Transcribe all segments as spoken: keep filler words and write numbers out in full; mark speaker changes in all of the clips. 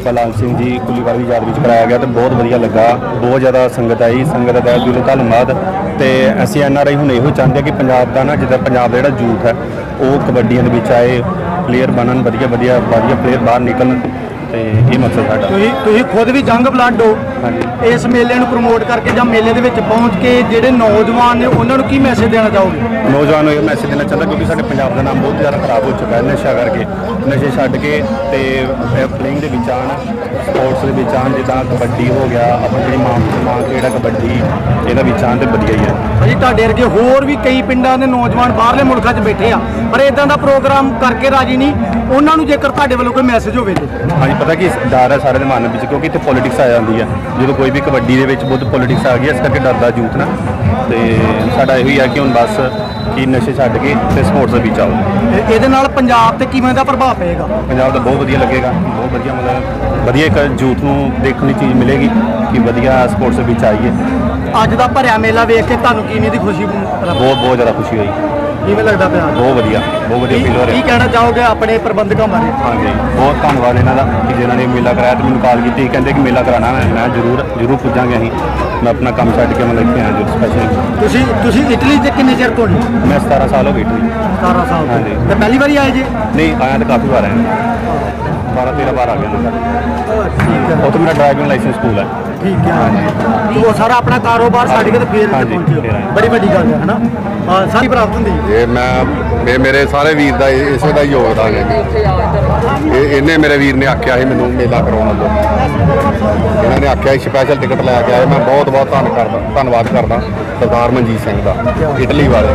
Speaker 1: बलाल सिंह जी कुलीवाल की याद में कराया गया तो बहुत वधिया लगा। बहुत ज़्यादा संगत आई, संगत का दिलों धन्यवाद। तो असीं एन आर आई हुण इहो चाहते हैं कि पंजाब का ना जिद्दां पंजाब का जिहड़ा यूथ है वो कबड्डियां दे विच आए, प्लेयर बनन, वधिया वधिया वधिया प्लेयर बाहर निकलन। तो ये मकसद साडा।
Speaker 2: तुसीं खुद भी जंग ब्लड हो, इस मेले नूं प्रमोट करके जां मेले दे विच पहुंच के जिहड़े नौजवान ने उन्हां नूं की मैसेज देना चाहोगे?
Speaker 1: नौजवान को यह मैसेज देना चाहता क्योंकि साडे पंजाब का नाम बहुत ज़्यादा खराब हो चुका है नशा करके। नशे छड्ड के ते प्लेइंग दे विच आण, स्पोर्ट्स दे विच आण, जिद्दां कबड्डी हो गया, अपनी जिहड़ी मां मां खेड है कबड्डी, इहदा विच आण ते वधिया ही है।
Speaker 2: भाजी तुहाडे वर्गे होर भी कई पिंडां दे नौजवान बाहरले मुल्कां 'च बैठे आ पर इदां दा प्रोग्राम करके राजी नहीं, उन्हां नूं जेकर तुहाडे वल्लों कोई मैसेज होवे ते?
Speaker 1: हाँ जी, पता कि डर है सारे के मन में क्योंकि इतने पॉलिटिक्स आ जाती है। जो कोई भी कबड्डी के बहुत पॉलिटिक्स आ गई, इस करके डरदा यूथ ना। तो साडा यही है कि हुण बस कि नशे छड्ड के ते स्पोर्ट्स दे विच आओ।
Speaker 2: ਇਹਦੇ ਨਾਲ ਪੰਜਾਬ ਤੇ ਕਿਵੇਂ ਦਾ ਪ੍ਰਭਾਵ ਪਏਗਾ?
Speaker 1: पंजाब का बहुत वधिया लगेगा, बहुत वधिया मतलब वधिया एक यूथ नूं देखने चीज़ मिलेगी कि वधिया स्पोर्ट्स दे विच आइए।
Speaker 2: ਅੱਜ ਦਾ ਭਰਿਆ ਮੇਲਾ ਵੇਖ ਕੇ ਤੁਹਾਨੂੰ ਕਿਵੇਂ ਦੀ ਖੁਸ਼ੀ?
Speaker 1: बहुत बहुत ज़्यादा खुशी हुई।
Speaker 2: ਕਿਵੇਂ ਲੱਗਦਾ ਪਿਆ?
Speaker 1: बहुत वधिया, बहुत वधिया फील हो रहा।
Speaker 2: ਕੀ ਕਹਿਣਾ ਚਾਹੋਗੇ ਆਪਣੇ ਪ੍ਰਬੰਧਕਾਂ ਬਾਰੇ?
Speaker 1: हाँ जी, बहुत धन्यवाद इन्हों का कि जिन्होंने मेला कराया तो मैंने कॉल की, कहते कि मेला कराना है, मैं जरूर जरूर पुजांगे। अं मैं अपना काम छड्ड के मतलब इत्थे आया जो स्पैशल।
Speaker 2: ਤੁਸੀਂ ਤੁਸੀਂ ਇਟਲੀ ਦੇ ਕਿੰਨੇ ਚਿਰ ਤੋਂ?
Speaker 1: मैं सतारह साल हो गई इटली।
Speaker 2: सतारह साल
Speaker 1: हाँ जी।
Speaker 2: ਤੇ ਪਹਿਲੀ ਵਾਰੀ ਆਏ ਜੀ?
Speaker 1: नहीं आया तो काफ़ी बार आया, बारह तेरह बार आ गया मैं।
Speaker 2: ठीक है,
Speaker 1: वो तो मेरा ड्राइविंग लाइसेंस स्कूल है।
Speaker 2: ठीक है। तो वो सारा अपना कारोबार छड्ड के फिर
Speaker 1: हाँ जी,
Speaker 2: पहुंचे
Speaker 1: फिर आए।
Speaker 2: बड़ी वड्डी गल है ना। हाँ, सारी प्राप्त होंदी
Speaker 3: ये मैं ये मेरे सारे वीर का इसे का योगदान है जी। ये इन्हें मेरे वीर ने आख्या ही मैनू मेला करवाने दो, इन्होंने आख्या स्पैशल टिकट लैके आए। मैं बहुत बहुत धन करदा धन्नवाद करदा सरदार मनजीत सिंह का, इटली वाले।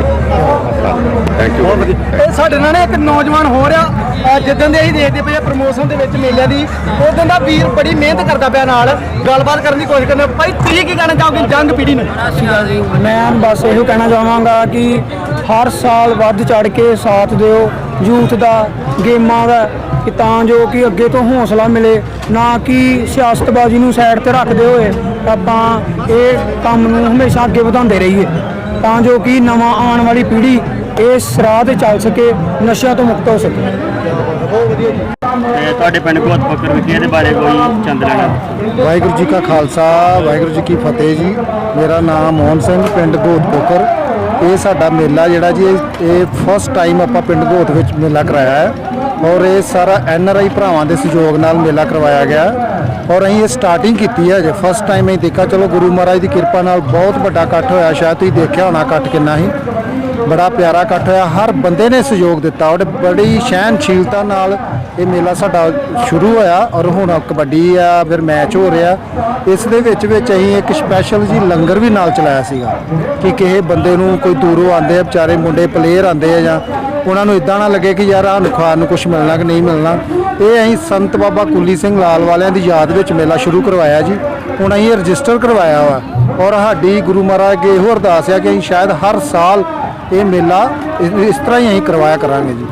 Speaker 3: Thank you.
Speaker 2: ਇਹ ਸਾਡੇ ਨਾਲ ਇੱਕ ਨੌਜਵਾਨ ਹੋ ਰਿਹਾ ਜਿੱਦਾਂ ਦੇ ਅਸੀਂ ਦੇਖਦੇ ਪਏ ਪ੍ਰਮੋਸ਼ਨ ਦੇ ਵਿੱਚ ਮੇਲਿਆਂ ਦੀ, ਉਦੋਂ ਦਾ ਵੀਰ ਬੜੀ ਮਿਹਨਤ ਕਰਦਾ ਪਿਆ, ਨਾਲ ਗੱਲਬਾਤ ਕਰਨ ਦੀ ਕੋਸ਼ਿਸ਼ ਕਰਦਾ। ਭਾਈ ਤੁਸੀਂ ਕੀ ਕਹਿਣਾ ਚਾਹੋਗੇ ਜੰਗ ਪੀੜ੍ਹੀ ਨੂੰ?
Speaker 4: मैं बस ਇਹੋ ਕਹਿਣਾ ਚਾਹਾਂਗਾ ਕਿ ਹਰ ਸਾਲ ਵੱਧ ਚੜ ਕੇ ਸਾਥ ਦਿਓ ਯੂਥ ਦਾ, ਗੇਮਾਂ ਦਾ, ਕਿ ਤਾਂ ਜੋ ਕਿ ਅੱਗੇ ਤੋਂ ਹੌਸਲਾ ਮਿਲੇ, ਨਾ ਕਿ ਸਿਆਸਤਬਾਜ਼ੀ ਨੂੰ ਸਾਈਡ ਤੇ ਰੱਖਦੇ ਹੋਏ ਆਪਾਂ ਇਹ ਕੰਮ ਨੂੰ ਹਮੇਸ਼ਾ ਅੱਗੇ ਵਧਾਉਂਦੇ ਰਹੀਏ, ਤਾਂ ਜੋ ਕਿ ਨਵਾਂ ਆਉਣ ਵਾਲੀ ਪੀੜ੍ਹੀ ਇਸ ਰਾਹ ਤੇ ਚੱਲ ਸਕੇ, ਨਸ਼ਿਆਂ ਤੋਂ ਮੁਕਤ ਹੋ ਸਕੇ।
Speaker 2: ਬਹੁਤ ਵਧੀਆ ਜੀ।
Speaker 5: ਤੁਹਾਡੇ ਪਿੰਡ ਘੋਤ ਫਕਰ ਵਿਖੇ ਇਹਦੇ ਬਾਰੇ ਕੋਈ ਚੰਦ ਲੈਣਾ?
Speaker 6: ਵਾਹਿਗੁਰੂ ਜੀ ਕਾ ਖਾਲਸਾ, ਵਾਹਿਗੁਰੂ ਜੀ ਕੀ ਫਤਿਹ ਜੀ। ਮੇਰਾ ਨਾਮ ਮੋਹਨ ਸਿੰਘ, ਪਿੰਡ ਘੋਤ ਫਕਰ। ਇਹ ਸਾਡਾ ਮੇਲਾ ਜਿਹੜਾ ਜੀ ਇਹ ਫਸਟ ਟਾਈਮ ਆਪਾਂ ਪਿੰਡ ਘੋਤ ਵਿੱਚ ਮੇਲਾ ਕਰਾਇਆ ਹੈ ਔਰ ਇਹ ਸਾਰਾ ਐਨ ਆਰ ਆਈ ਭਰਾਵਾਂ ਦੇ ਸਹਿਯੋਗ ਨਾਲ ਮੇਲਾ ਕਰਵਾਇਆ ਗਿਆ ਔਰ ਅਸੀਂ ਇਹ ਸਟਾਰਟਿੰਗ ਕੀਤੀ ਹੈ ਜੇ ਫਸਟ ਟਾਈਮ ਅਸੀਂ ਦੇਖਿਆ। ਚਲੋ ਗੁਰੂ ਮਹਾਰਾਜ ਦੀ ਕਿਰਪਾ ਨਾਲ ਬਹੁਤ ਵੱਡਾ ਇਕੱਠ ਹੋਇਆ, ਸ਼ਾਇਦ ਤੁਸੀਂ ਦੇਖਿਆ ਹੋਣਾ ਇਕੱਠ ਕਿੰਨਾ ਸੀ, ਬੜਾ ਪਿਆਰਾ ਇਕੱਠ ਹੋਇਆ। ਹਰ ਬੰਦੇ ਨੇ ਸਹਿਯੋਗ ਦਿੱਤਾ ਔਰ ਬੜੀ ਸਹਿਣਸ਼ੀਲਤਾ ਨਾਲ ਇਹ ਮੇਲਾ ਸਾਡਾ ਸ਼ੁਰੂ ਹੋਇਆ ਔਰ ਹੁਣ ਕਬੱਡੀ ਆ, ਫਿਰ ਮੈਚ ਹੋ ਰਿਹਾ। ਇਸ ਦੇ ਵਿੱਚ ਵਿੱਚ ਅਸੀਂ ਇੱਕ ਸਪੈਸ਼ਲ ਜੀ ਲੰਗਰ ਵੀ ਨਾਲ ਚਲਾਇਆ ਸੀਗਾ ਕਿ ਕਿਸੇ ਬੰਦੇ ਨੂੰ ਕੋਈ ਦੂਰੋਂ ਆਉਂਦੇ ਆ ਵਿਚਾਰੇ ਮੁੰਡੇ ਪਲੇਅਰ ਆਉਂਦੇ ਆ ਜਾਂ ਉਹਨਾਂ ਨੂੰ ਇਦਾਂ ਨਾ ਲੱਗੇ ਕਿ ਯਾਰ ਸਾਨੂੰ ਖਾਣ ਨੂੰ ਕੁਛ ਮਿਲਣਾ ਕਿ ਨਹੀਂ ਮਿਲਣਾ। ਇਹ ਅਸੀਂ ਸੰਤ ਬਾਬਾ ਕੁੱਲੀ ਸਿੰਘ ਲਾਲ ਵਾਲਿਆਂ ਦੀ ਯਾਦ ਵਿੱਚ ਮੇਲਾ ਸ਼ੁਰੂ ਕਰਵਾਇਆ ਜੀ। ਹੁਣ ਅਸੀਂ ਰਜਿਸਟਰ ਕਰਵਾਇਆ ਵਾ ਔਰ ਸਾਡੀ ਗੁਰੂ ਮਹਾਰਾਜ ਅੱਗੇ ਇਹੋ ਅਰਦਾਸ ਆ ਕਿ ਅਸੀਂ ਸ਼ਾਇਦ ਹਰ ਸਾਲ ਇਹ ਮੇਲਾ ਇਸ ਤਰ੍ਹਾਂ ਹੀ ਅਸੀਂ ਕਰਵਾਇਆ ਕਰਾਂਗੇ ਜੀ।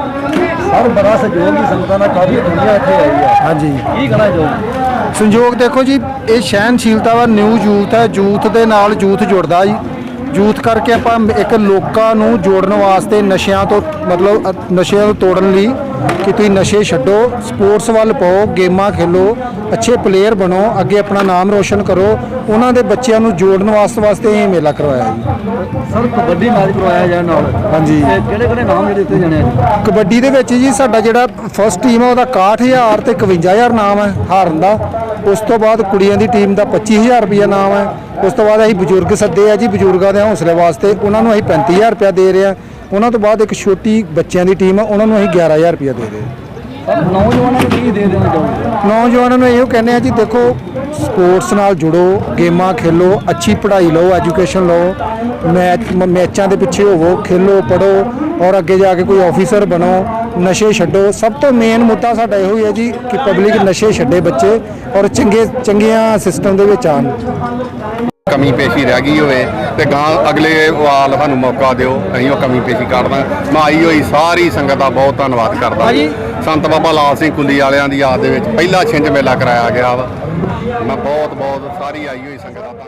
Speaker 2: ਸਰ ਬੜਾ ਸਹਿਯੋਗ ਦੀ ਸੰਗਤਾਂ ਦਾ ਕਾਫੀ ਦੁਨੀਆ ਇੱਥੇ ਆਈ ਹੈ।
Speaker 6: ਹਾਂਜੀ,
Speaker 2: ਕੀ ਕਹਿਣਾ ਚਾਹੋਗੇ?
Speaker 6: ਸੰਯੋਗ ਦੇਖੋ ਜੀ, ਇਹ ਸਹਿਣਸ਼ੀਲਤਾ ਵਾ, ਨਿਊ ਯੂਥ ਹੈ, ਯੂਥ ਦੇ ਨਾਲ ਯੂਥ ਜੁੜਦਾ ਜੀ। ਯੂਥ ਕਰਕੇ ਆਪਾਂ ਇੱਕ ਲੋਕਾਂ ਨੂੰ ਜੋੜਨ ਵਾਸਤੇ ਨਸ਼ਿਆਂ ਤੋਂ ਮਤਲਬ ਅ- ਨਸ਼ਿਆਂ ਨੂੰ ਤੋੜਨ ਲਈ ਕਿ ਤੁਸੀਂ ਨਸ਼ੇ ਛੱਡੋ, ਸਪੋਰਟਸ ਵੱਲ ਪਾਓ, ਗੇਮਾਂ ਖੇਲੋ, ਅੱਛੇ ਪਲੇਅਰ ਬਣੋ, ਅੱਗੇ ਆਪਣਾ ਨਾਮ ਰੋਸ਼ਨ ਕਰੋ। ਉਹਨਾਂ ਦੇ ਬੱਚਿਆਂ ਨੂੰ ਜੋੜਨ ਵਾਸਤੇ ਵਾਸਤੇ ਇਹ ਮੇਲਾ ਕਰਵਾਇਆ ਜੀ।
Speaker 2: ਸਰ ਕਬੱਡੀ ਮੈਚ ਕਰਵਾਇਆ ਜਾਏ ਨਾਲ,
Speaker 6: ਹਾਂਜੀ,
Speaker 2: ਕਿਹੜੇ ਕਿਹੜੇ ਨਾਮ ਜਿਹੜੇ ਦਿੱਤੇ ਜਾਣੇ ਆ?
Speaker 6: ਕਬੱਡੀ ਦੇ ਵਿੱਚ ਜੀ ਸਾਡਾ ਜਿਹੜਾ ਫਸਟ ਟੀਮ ਹੈ ਉਹਦਾ ਇਕਾਹਠ ਹਜ਼ਾਰ ਤੇ ਇਕਵੰਜਾ ਹਜ਼ਾਰ ਨਾਮ ਹੈ ਹਾਰਨ ਦਾ। ਉਸ ਤੋਂ ਬਾਅਦ ਕੁੜੀਆਂ ਦੀ ਟੀਮ ਦਾ ਪੱਚੀ ਹਜ਼ਾਰ ਰੁਪਈਆ ਨਾਮ ਹੈ। ਉਸ ਤੋਂ ਬਾਅਦ ਅਸੀਂ ਬਜ਼ੁਰਗ ਸੱਦੇ ਆ ਜੀ, ਬਜ਼ੁਰਗਾਂ ਦੇ ਹੌਸਲੇ ਵਾਸਤੇ ਉਹਨਾਂ ਨੂੰ ਅਸੀਂ ਪੈਂਤੀ ਹਜ਼ਾਰ ਰੁਪਇਆ ਦੇ ਰਹੇ ਹਾਂ। ਉਹਨਾਂ ਤੋਂ ਬਾਅਦ ਇੱਕ ਛੋਟੀ ਬੱਚਿਆਂ ਦੀ ਟੀਮ ਹੈ, ਉਹਨਾਂ ਨੂੰ ਅਸੀਂ ਗਿਆਰਾਂ ਹਜ਼ਾਰ ਰੁਪਇਆ ਦੇ ਰਹੇ ਹਾਂ।
Speaker 2: ਸਰ ਨੌਜਵਾਨਾਂ ਨੂੰ ਕੀ ਦੇ ਦੇਣਾ ਚਾਹੋਗੇ?
Speaker 6: ਨੌਜਵਾਨਾਂ ਨੂੰ ਇਹੋ ਕਹਿੰਦੇ ਆ ਜੀ, ਦੇਖੋ ਸਪੋਰਟਸ ਨਾਲ ਜੁੜੋ, ਗੇਮਾਂ ਖੇਲੋ, ਅੱਛੀ ਪੜ੍ਹਾਈ ਲਓ, ਐਜੂਕੇਸ਼ਨ ਲਓ, ਮੈਚ ਮੈਚਾਂ ਦੇ ਪਿੱਛੇ ਹੋਵੋ, ਖੇਲੋ, ਪੜ੍ਹੋ ਔਰ ਅੱਗੇ ਜਾ ਕੇ ਕੋਈ ਆਫੀਸਰ ਬਣੋ, ਨਸ਼ੇ ਛੱਡੋ। ਸਭ ਤੋਂ ਮੇਨ ਮੁੱਦਾ ਸਾਡਾ ਇਹੋ ਹੀ ਹੈ ਜੀ ਕਿ ਪਬਲਿਕ ਨਸ਼ੇ ਛੱਡੇ ਬੱਚੇ ਔਰ ਚੰਗੇ ਚੰਗੀਆਂ ਸਿਸਟਮ ਦੇ ਵਿੱਚ ਆਉਣ।
Speaker 3: ਕਮੀ ਪੇਸ਼ੀ ਰਹਿ ਗਈ ਹੋਵੇ ਤੇ ਗਾਂ ਅਗਲੇ ਵਾਲ ਸਾਨੂੰ ਮੌਕਾ ਦਿਓ, ਅਸੀਂ ਉਹ ਕਮੀ ਪੇਸ਼ੀ ਕਰਦਾ। ਮੈਂ ਆਈ ਹੋਈ ਸਾਰੀ ਸੰਗਤ ਦਾ ਬਹੁਤ ਧੰਨਵਾਦ ਕਰਦਾ। ਸੰਤ ਬਾਬਾ ਲਾਲ ਸਿੰਘ ਕੁੱਲੀ ਵਾਲਿਆਂ ਦੀ ਯਾਦ ਦੇ ਵਿੱਚ ਪਹਿਲਾ ਛਿੰਝ ਮੇਲਾ ਕਰਾਇਆ ਗਿਆ ਵਾ। ਮੈਂ ਬਹੁਤ ਬਹੁਤ ਸਾਰੀ ਆਈ ਹੋਈ ਸੰਗਤ ਦਾ